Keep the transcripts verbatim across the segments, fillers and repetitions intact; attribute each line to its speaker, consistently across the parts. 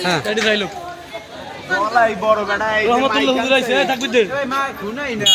Speaker 1: হ্যাঁ
Speaker 2: এডি যাইলো
Speaker 3: গলাই বড় বেটা এই
Speaker 2: রহমতুল্লাহ হুজুর আইছে থাকবি দে
Speaker 3: এই মা শুনাই না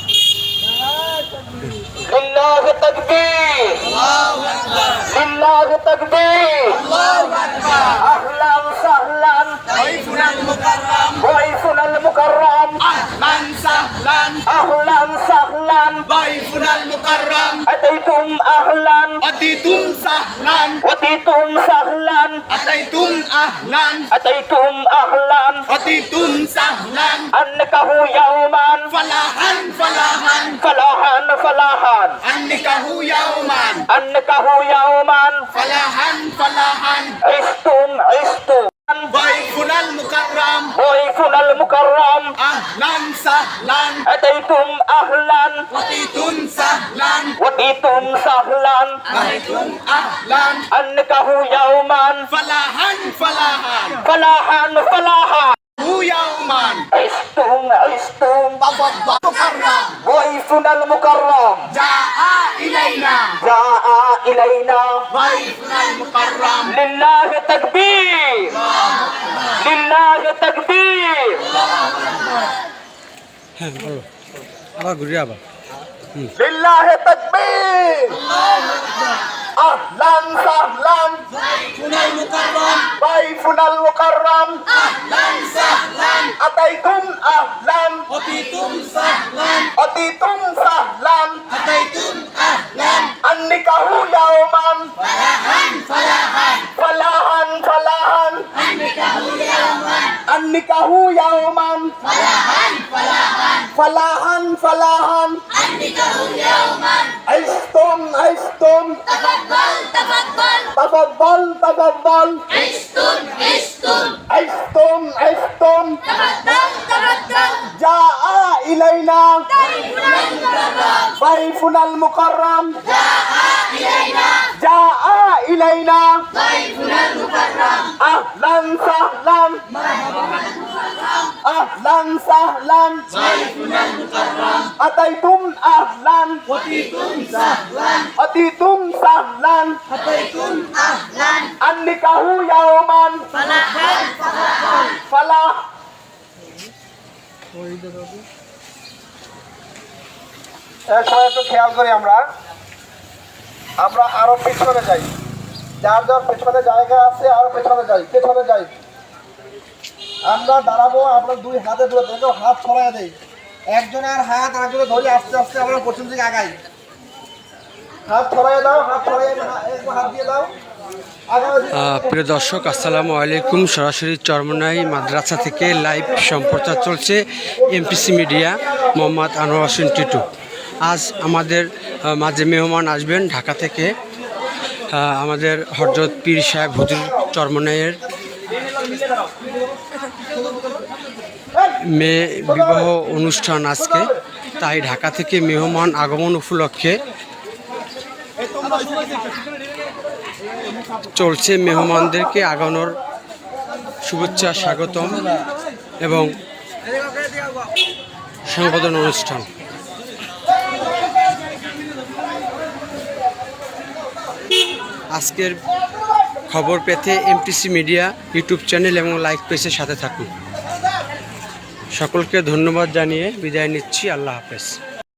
Speaker 4: লিল্লাহ তাকবীর আল্লাহু আকবার লিল্লাহ তাকবীর আল্লাহু আকবার আহলান সাহলান
Speaker 3: ওয়াইফুনাল মুকাররম
Speaker 4: ওয়াইফুনাল মুকাররম
Speaker 3: আহলান সাহলান
Speaker 4: আহলান সাহলান
Speaker 3: ওয়াইফুনাল মুকাররম
Speaker 4: আতাইতুম আহলান
Speaker 3: আতিতুম সাহলান
Speaker 4: আতিতুম সাহলান
Speaker 3: আতাইতুম আহলান
Speaker 4: আতাইতুম আহলান
Speaker 3: আতিতুম সাহলান
Speaker 4: আনকাহু ইয়াওমান
Speaker 3: ফালাহান ফালাহান
Speaker 4: ফালাহান ফালাহান
Speaker 3: আন্নিকাহু ইয়াওমান
Speaker 4: আনকাহু ইয়াওমান
Speaker 3: ফালাহান ফালাহান
Speaker 4: ইস্তুম ইস্তুম
Speaker 3: ওয়াইফুনাল মুকাররম
Speaker 4: ওয়াইফুনাল মুকাররম
Speaker 3: আহলান সাহলান
Speaker 4: আতাইতুম আহলান
Speaker 3: আতিতুম সাহলান
Speaker 4: ওয়াতিতুম সাহলান
Speaker 3: আতিতুম আহলান
Speaker 4: আনকাহু ইয়াওমান
Speaker 3: ফালাহান ফালাহান
Speaker 4: ফালাহান ফালাহান
Speaker 3: হু ইয়াওমান
Speaker 4: ইস্তুম ইস্তুম
Speaker 3: তাফাদ্দাল মুকাররম
Speaker 4: ওয়াইফুনাল মুকাররম
Speaker 3: জাআ ইলাইনা
Speaker 4: জাআ ইলাইনা
Speaker 3: ওয়াইফুনাল মুকাররম
Speaker 4: লিল্লাহ তাকবীর লিল্লাহ তাকবীর
Speaker 1: হ্যাঁ বলো আবার ঘুরে আবার
Speaker 4: লিল্লাহ তাকবীর আহলান সাহলান
Speaker 3: ওয়াইফুনাল মুকাররম
Speaker 4: ওয়াইফুনাল মুকাররম
Speaker 3: আহলান সাহলান
Speaker 4: আতাইতুম আহলান
Speaker 3: আতিতুম সাহলান
Speaker 4: আতিতুম সাহলান
Speaker 3: আতাইতুম আহলান
Speaker 4: আন্নিকাহু ইয়াওমান
Speaker 3: ফালাহান ফালাহান
Speaker 4: ফালাহান ফালাহান
Speaker 3: আন্নিকাহু ইয়াওমান
Speaker 4: আন্নিকাহু ইয়াওমান
Speaker 3: ফালাহান ফালাহান
Speaker 4: ফালাহান ফালাহান
Speaker 3: আন্নিকাহু ইয়াওমান
Speaker 4: ইস্তুম ইস্তুম
Speaker 3: তাফাদ্দাল তাফাদ্দাল
Speaker 4: তাফাদ্দাল তাফাদ্দাল
Speaker 3: ইস্তুন ইস্তুন
Speaker 4: ইস্তুম ইস্তুম
Speaker 3: তাফাদ্দাল তাফাদ্দাল
Speaker 4: জাআ ইলাইনা
Speaker 3: ওয়াইফুনাল মুকাররম
Speaker 4: ওয়াইফুনাল মুকাররম
Speaker 3: জাআ ইলাইনা
Speaker 4: জাআ ইলাইনা
Speaker 3: ওয়াইফুনাল মুকাররম
Speaker 4: আহলান সাহলান আহলান সাহলান
Speaker 3: ওয়াইফুনাল মুকাররম
Speaker 4: আতাইতুম আহলান
Speaker 3: আতিতুম সাহলান
Speaker 4: আতিতুম সাহলান
Speaker 3: আতাইতুম আহলান
Speaker 4: আন্নিকাহু ইয়াওমান
Speaker 3: ফালাহান ফালাহান
Speaker 4: ফালাহ এক সময় একটু খেয়াল করি আমরা আমরা আরো পেছনে যাই যার যার পেছনে জায়গা আছে আরো পেছনে যাই পেছনে যাই আমরা দাঁড়াবো আমরা দুই হাতে ধরে দেখো হাত ছড়াই দেই একজনের হাত আরেকজনের ধরে আস্তে আস্তে আমরা পশ্চিম দিকে আগাই হাত ছড়াই দাও হাত ছড়াই একটু হাত দিয়ে দাও
Speaker 1: আহ, প্রিয় দর্শক আসসালামু আলাইকুম। সরাসরি চরমনাই মাদ্রাসা থেকে লাইভ সম্প্রচার চলছে এমপিসি মিডিয়া, মোহাম্মদ আনোয়ার হোসেন টিটু। আজ আমাদের আহ, মাঝে মেহমান আসবেন ঢাকা থেকে আহ, আমাদের হযরত পীর সাহেব হুজুর চরমনাইয়ের মেয়ে বিবাহ অনুষ্ঠান আজকে, তাই ঢাকা থেকে মেহমান আগমন উপলক্ষে চলছে মেহমানদেরকে আগানোর শুভেচ্ছা স্বাগতম এবং সংবোধন অনুষ্ঠান। আজকের খবর পেতে এমপিসি মিডিয়া ইউটিউব চ্যানেল এবং লাইক পেজের সাথে থাকুন। সকলকে ধন্যবাদ জানিয়ে বিদায় নিচ্ছি। আল্লাহ হাফেজ।